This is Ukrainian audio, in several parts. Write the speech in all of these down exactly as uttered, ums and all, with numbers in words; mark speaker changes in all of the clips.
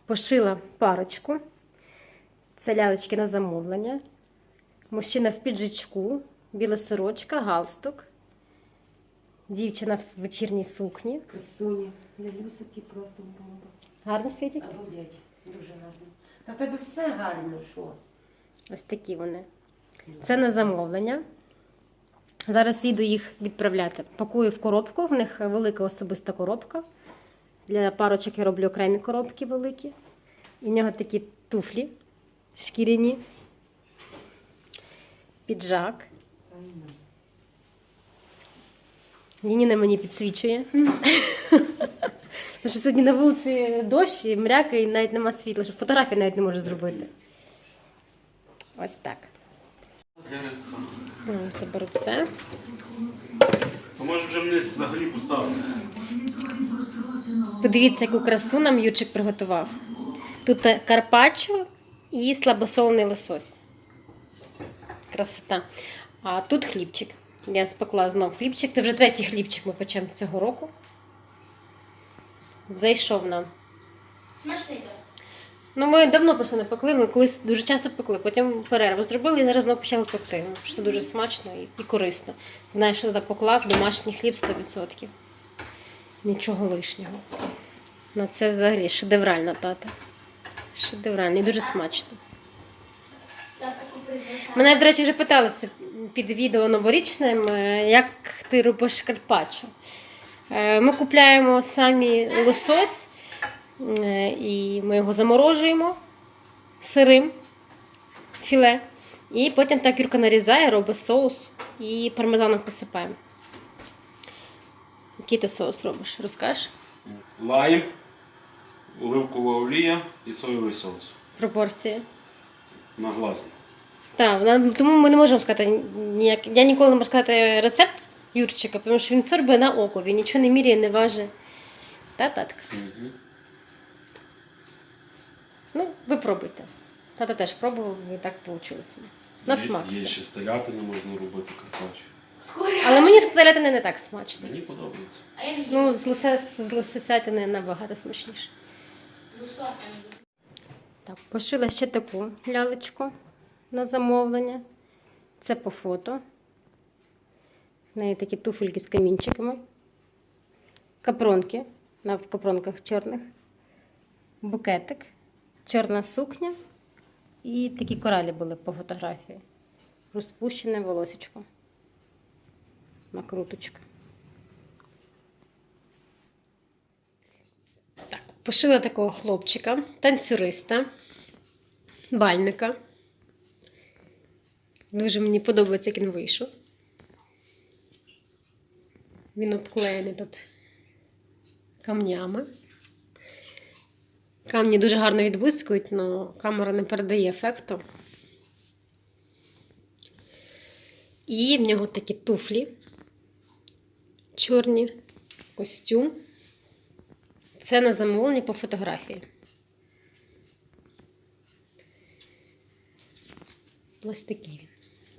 Speaker 1: Пошила парочку. Це лялечки на замовлення. Мужчина в піджачку, біла сорочка, галстук. Дівчина в вечірній сукні.
Speaker 2: Красуні. Лялюсики просто бомба.
Speaker 1: Гарно світять?
Speaker 2: Обалдеть. Дуже гарно. Та в тебе все гарно, що?
Speaker 1: Ось такі вони. Це на замовлення. Зараз їду їх відправляти. Пакую в коробку, в них велика особиста коробка. Для парочок я роблю окремі коробки великі. І в нього такі туфлі шкіряні. Піджак. Ніна мені підсвічує. Тому що сьогодні на вулиці дощ і мряка, і навіть нема світла, що фотографії навіть не можу зробити. Ось так. Це беру це.
Speaker 3: А може вже вниз взагалі поставити?
Speaker 1: Подивіться, яку красу нам Юрчик приготував. Тут карпаччо і слабосолений лосось. Красота. А тут хлібчик. Я спекла знов хлібчик. Це вже третій хлібчик ми печемо цього року. Зайшов нам.
Speaker 4: Смачний досить.
Speaker 1: Ну, ми давно просто не пекли, ми колись дуже часто пекли, потім перерву зробили і зараз знову почали пекти. Що дуже смачно і, і корисно. Знаю, що туди поклав домашній хліб сто відсотків. Нічого лишнього. На це взагалі шедевральна тата. Шедевральна і дуже смачно. Мене, до речі, вже питалися під відео новорічним, як ти робиш карпаччо. Ми купляємо самі лосось, і ми його заморожуємо сирим філе. І потім так Юрка нарізає, робить соус і пармезаном посипаємо. Який ти соус робиш? Розкажеш?
Speaker 3: Лайм, оливкова олія і соєвий соус.
Speaker 1: Пропорції.
Speaker 3: На глаз.
Speaker 1: Так, вона- тому ми не можемо сказати ніяк. Я ніколи не можу сказати рецепт Юрчика, тому що він сорбає на око, він нічого не міряє, не важить. Та, татка?
Speaker 3: Угу.
Speaker 1: Ну, ви пробуйте. Тато теж пробував, і так вийшло. На смак
Speaker 3: Є
Speaker 1: все.
Speaker 3: ще стелятини, можна робити карпаччо.
Speaker 1: Але мені з котлетини не так смачно.
Speaker 3: Мені подобається.
Speaker 4: А я не їм.
Speaker 1: Ну, з лосе- з лососятини набагато смачніше.
Speaker 4: З лососем.
Speaker 1: Так, пошила ще таку лялечку на замовлення. Це по фото. В неї такі туфельки з камінчиками. Капронки, на капронках чорних. Букетик. Чорна сукня. І такі коралі були по фотографії. Розпущене волосечко. Накруточка. Так, пошила такого хлопчика, танцюриста, бальника. Дуже мені подобається, як він вийшов. Він обклеєний тут камнями. Камні дуже гарно відблискують, але камера не передає ефекту. І в нього такі туфлі чорні, костюм. Це на замовлення по фотографії. Ось такий він.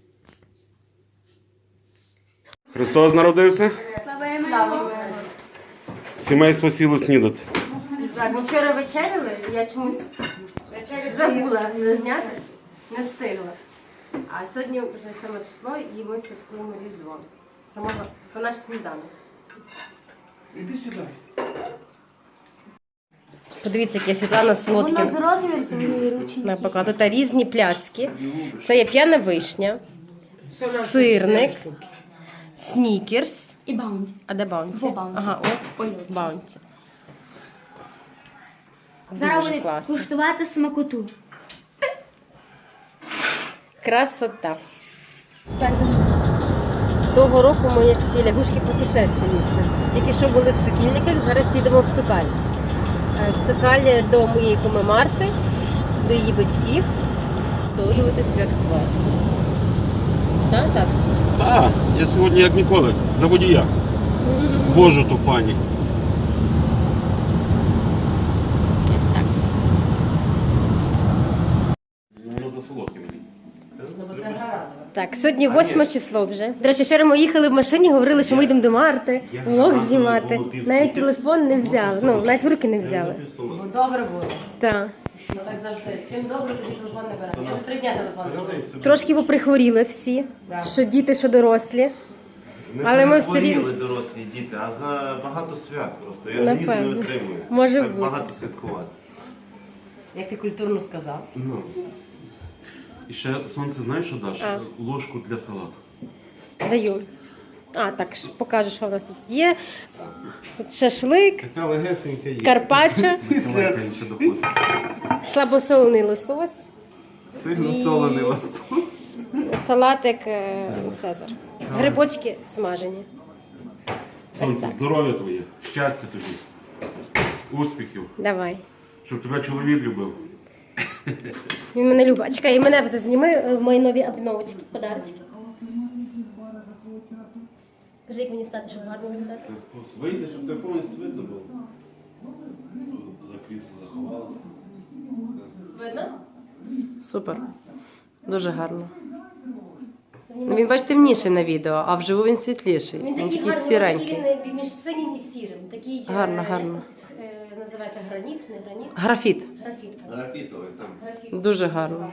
Speaker 3: Христос народився?
Speaker 1: Слава!
Speaker 3: Сімейство сіло снідати.
Speaker 1: Так, ми вчора вечеряли, я чомусь забула не зняти, не встигла. А сьогодні вже сьоме число і ми святкуємо Різдво. Самого по наш сніданок.
Speaker 3: Іди сідай.
Speaker 1: Подивіться, як я Світлана Солодкін
Speaker 4: Воно з розміру своєї ручки.
Speaker 1: напекла. Тут різні пляцки. Це є п'яна вишня, сирник, снікерс.
Speaker 4: І баунті.
Speaker 1: А де баунті?
Speaker 4: Во, Баунті.
Speaker 1: Ага, о,
Speaker 4: Ой,
Speaker 1: баунті.
Speaker 4: Зараз
Speaker 1: Дуже
Speaker 4: буде
Speaker 1: класно.
Speaker 4: куштувати смакоту.
Speaker 1: Красота. Того року ми як ті лягушки путешественниці. Тільки що були в Сокільниках, зараз їдемо в Сокаль. Е, В Сокаль до моєї куми Марти, до її батьків, продовжувати святкувати. Так, татко?
Speaker 3: Так, я сьогодні як ніколи. За водія. Вожу ту пані.
Speaker 1: Ось так.
Speaker 3: Воно за солодке мені.
Speaker 2: Ну, бо це градова.
Speaker 1: Так, сьогодні восьме число вже. До речі, вчора ми їхали в машині, говорили, що ми йдемо до Марти, влог знімати. Навіть телефон не взяли, ну, навіть в руки не взяли.
Speaker 2: Бо добре було.
Speaker 1: Так.
Speaker 2: Ну так завжди. Чим добре, тоді телефон не беремо. Я вже три дня телефон не беру.
Speaker 1: Трошки поприхворіли всі, що діти, що дорослі. Але ми все рівно.
Speaker 5: Не дорослі діти, а за багато свят просто. Я організм не
Speaker 1: Напевно.
Speaker 5: витримую.
Speaker 1: Може
Speaker 5: Так
Speaker 1: бути.
Speaker 5: багато святкувати.
Speaker 2: Як ти культурно сказав.
Speaker 3: Ну. І ще сонце, знаєш, що даш?
Speaker 1: А.
Speaker 3: Ложку для салату.
Speaker 1: Даю. А, так, ш- покажу, що в нас тут є. Тут шашлик,
Speaker 5: Така легесенька є.
Speaker 1: карпаччо,
Speaker 3: Миколайка ще допустить.
Speaker 1: слабосолений лосось,
Speaker 5: Сильно
Speaker 1: І-
Speaker 5: солений ласо.
Speaker 1: салатик е, Цезар. Грибочки смажені. Ось
Speaker 3: Сонце,
Speaker 1: так.
Speaker 3: здоров'я твоє, щастя тобі, успіхів,
Speaker 1: Давай.
Speaker 3: щоб тебе чоловік любив.
Speaker 1: Він мене любить. А, чекай, і мене зазніми е, в мої нові обновочки, подарочки. Кажи, як мені стати, щоб гарно виглядати.
Speaker 5: Вийде, щоб тебе повністю видно було.
Speaker 3: За крісло заховалася.
Speaker 1: Видно?
Speaker 2: Супер. Дуже гарно. Ну, він, бач, темніший на відео, а вживу він світліший.
Speaker 1: Він такий гарний, такий
Speaker 2: сіренький.
Speaker 1: він між синім і сірим. Такий, е,
Speaker 2: Гарно,
Speaker 1: як
Speaker 2: гарно.
Speaker 1: е, називається граніт, не граніт,
Speaker 2: Графіт.
Speaker 1: графіт.
Speaker 5: Графітовий там.
Speaker 1: Графіт.
Speaker 2: Дуже гарно.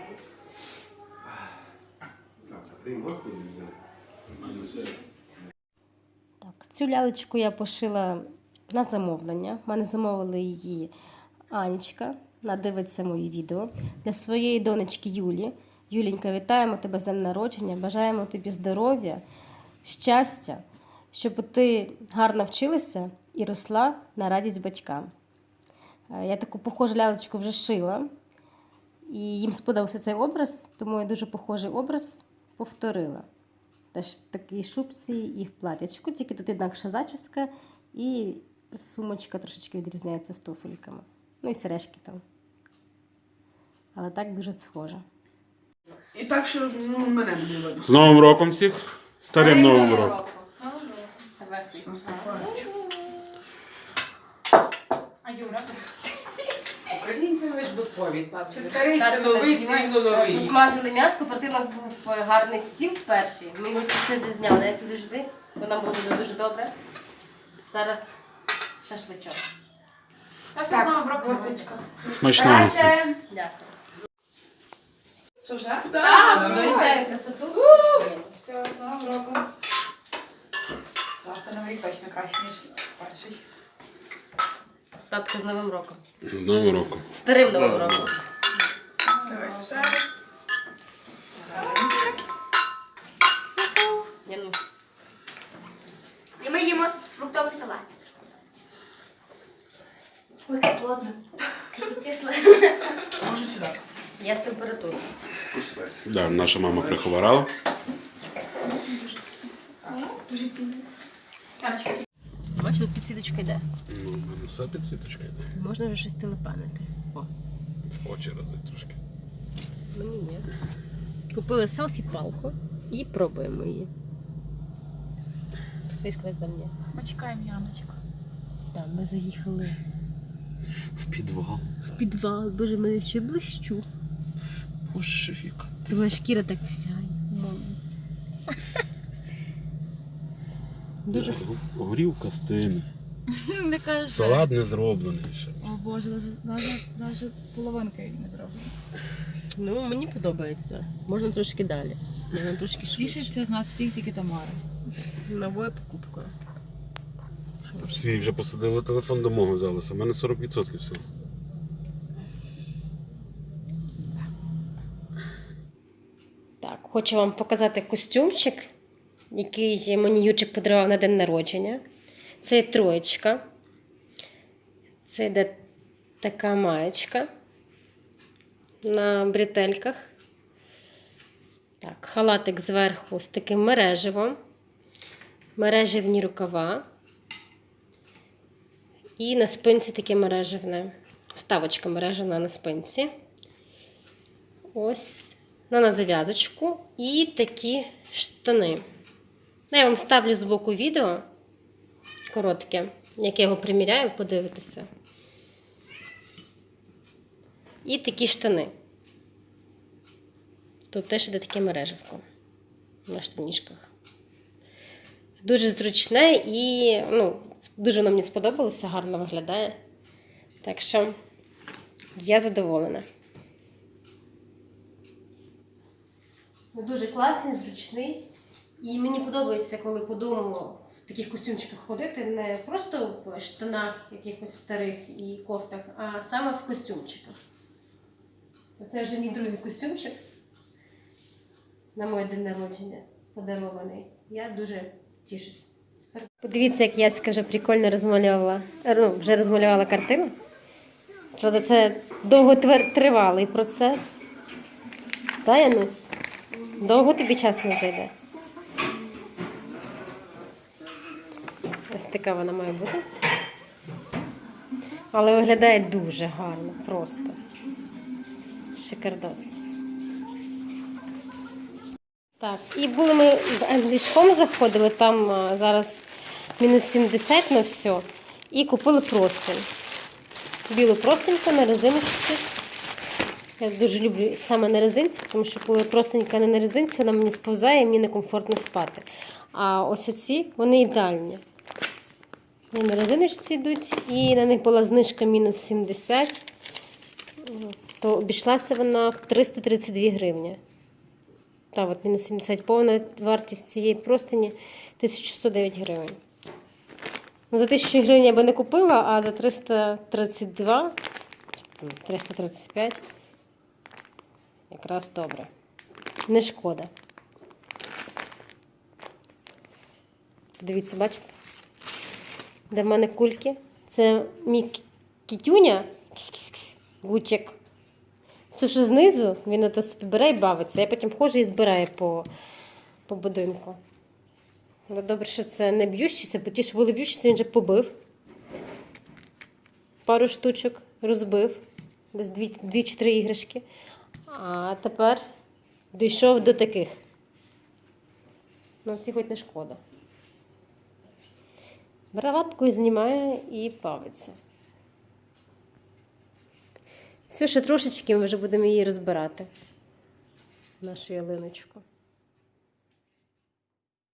Speaker 5: Так, а ти масло взяв?
Speaker 1: Так, цю лялечку я пошила на замовлення. В мене замовили її Анічка. Вона дивиться мої відео. Для своєї донечки Юлі. Юлінька, вітаємо тебе з днем народження. Бажаємо тобі здоров'я, щастя, щоб ти гарно вчилася і росла на радість батькам. Е, Я таку похожу лялечку вже шила. І їм сподобався цей образ, тому я дуже похожий образ повторила. Теж в такій шубці і в платячку, тільки тут інакша зачіска і сумочка трошечки відрізняється з туфельками. Ну і сережки там. Але так дуже схоже.
Speaker 6: І так, що ну, мене не видно.
Speaker 3: З Новим роком всіх! Старим Новим роком!
Speaker 6: З наступаючим.
Speaker 4: А Юра?
Speaker 6: Українцям лиш би повід. Чи старий, чи новий, всі рівно новий.
Speaker 1: Посмажили м'ясо, проти у нас був гарний стіл перший. Ми його чуть не зазняли, як завжди, бо нам було дуже добре. Зараз шашличок.
Speaker 4: Та все знову брокоточка.
Speaker 3: Смачного всім!
Speaker 1: Дякую.
Speaker 4: Що вже?
Speaker 6: Так.
Speaker 1: Дорізаю красоту.
Speaker 4: Все, з новим роком. Це новий точно краще, ніж перший.
Speaker 1: Татка з Новим роком.
Speaker 3: З Новим роком!
Speaker 1: Старим Новим роком.
Speaker 6: Давай, ще.
Speaker 1: Я, ну,
Speaker 4: І ми їмо фруктовий салат. Ой, як холодно. Кисле.
Speaker 6: Може сюди.
Speaker 1: Я з температурою.
Speaker 3: Да, наша мама прихворала.
Speaker 4: Дуже цінно. Яночка.
Speaker 1: Бачиш, тут підсвіточка йде.
Speaker 3: Ну, в мене все підсвіточка йде.
Speaker 1: Можна вже щось телепанити. О,
Speaker 3: В очі рази трошки.
Speaker 1: мені ні. Купили селфі-палку і пробуємо її. Хтось сказав за мене.
Speaker 4: Ми чекаємо Яночку.
Speaker 1: Так, ми заїхали
Speaker 3: В підвал.
Speaker 1: в підвал. Боже, мене ще блищу.
Speaker 3: Боже, яка ти
Speaker 1: Твоя шкіра так всяє. Молодість. Дуже
Speaker 3: горівка стине.
Speaker 4: Не кажи.
Speaker 3: Салат не зроблений ще.
Speaker 4: О Боже, навіть половинки не зроблено.
Speaker 1: Ну, мені подобається. Можна трошки далі. Можна трошки швидше.
Speaker 4: Тішиться з нас всіх тільки Тамара.
Speaker 1: Новою покупкою.
Speaker 3: Свій вже посадили, телефон до мого взялися. У мене сорок відсотків всього.
Speaker 1: Так, хочу вам показати костюмчик, який мені Ючик подарував на день народження. Це є троєчка. Це йде така маєчка на бретельках. Так, халатик зверху з таким мереживом. Мереживні рукава. І на спинці таке мереживне. Вставочка мережевна на спинці. Ось на зав'язочку і такі штани. Я вам ставлю збоку відео коротке, як я його приміряю, подивитися. І такі штани. Тут теж іде таке мережевко. на штанішках. Дуже зручне і ну, дуже воно мені сподобалося, гарно виглядає. Так що я задоволена. Ну, дуже класний, зручний. І мені подобається, коли по дому в таких костюмчиках ходити, не просто в штанах якихось старих і кофтах, а саме в костюмчиках. Це вже мій другий костюмчик на моє день народження подарований. Я дуже тішусь. Подивіться, як Яська вже прикольно розмалювала, ну, вже розмалювала картину. Правда, це довготривалий процес. Та, Янусь? Довго тобі часу не зайде? Ось така вона має бути. Але виглядає дуже гарно, просто. Шикардос. Так, і були ми в English.com заходили, там а, зараз мінус сімдесят на все. І купили простинь. Білу простиньку на резиночці. Я дуже люблю саме на резинці, тому що коли простенька не на резинці, вона мені сповзає і мені некомфортно спати. А ось оці, вони ідеальні. Вони на резиночці йдуть, і на них була знижка мінус сімдесят, то обійшлася вона в триста тридцять дві гривні. Так, от мінус сімдесят, повна вартість цієї простині тисяча сто дев'ять гривень. Ну, за тисячу гривень я би не купила, а за триста тридцять два, триста тридцять п'ять якраз добре. Не шкода. Дивіться, бачите? Де в мене кульки. Це мій кітюня, гучик. Все, що знизу, він ото собі бере і бавиться. Я потім ходжу і збираю по, по будинку. Але добре, що це не б'ющіся, бо ті, що були б'ющіся, він вже побив. Пару штучок розбив. Десь дві-чотири іграшки. А тепер дійшов до таких. Ну, ці хоч не шкода. Бере лапкою, знімає і бавиться. Все, ще трошечки ми вже будемо її розбирати. Нашу ялиночку.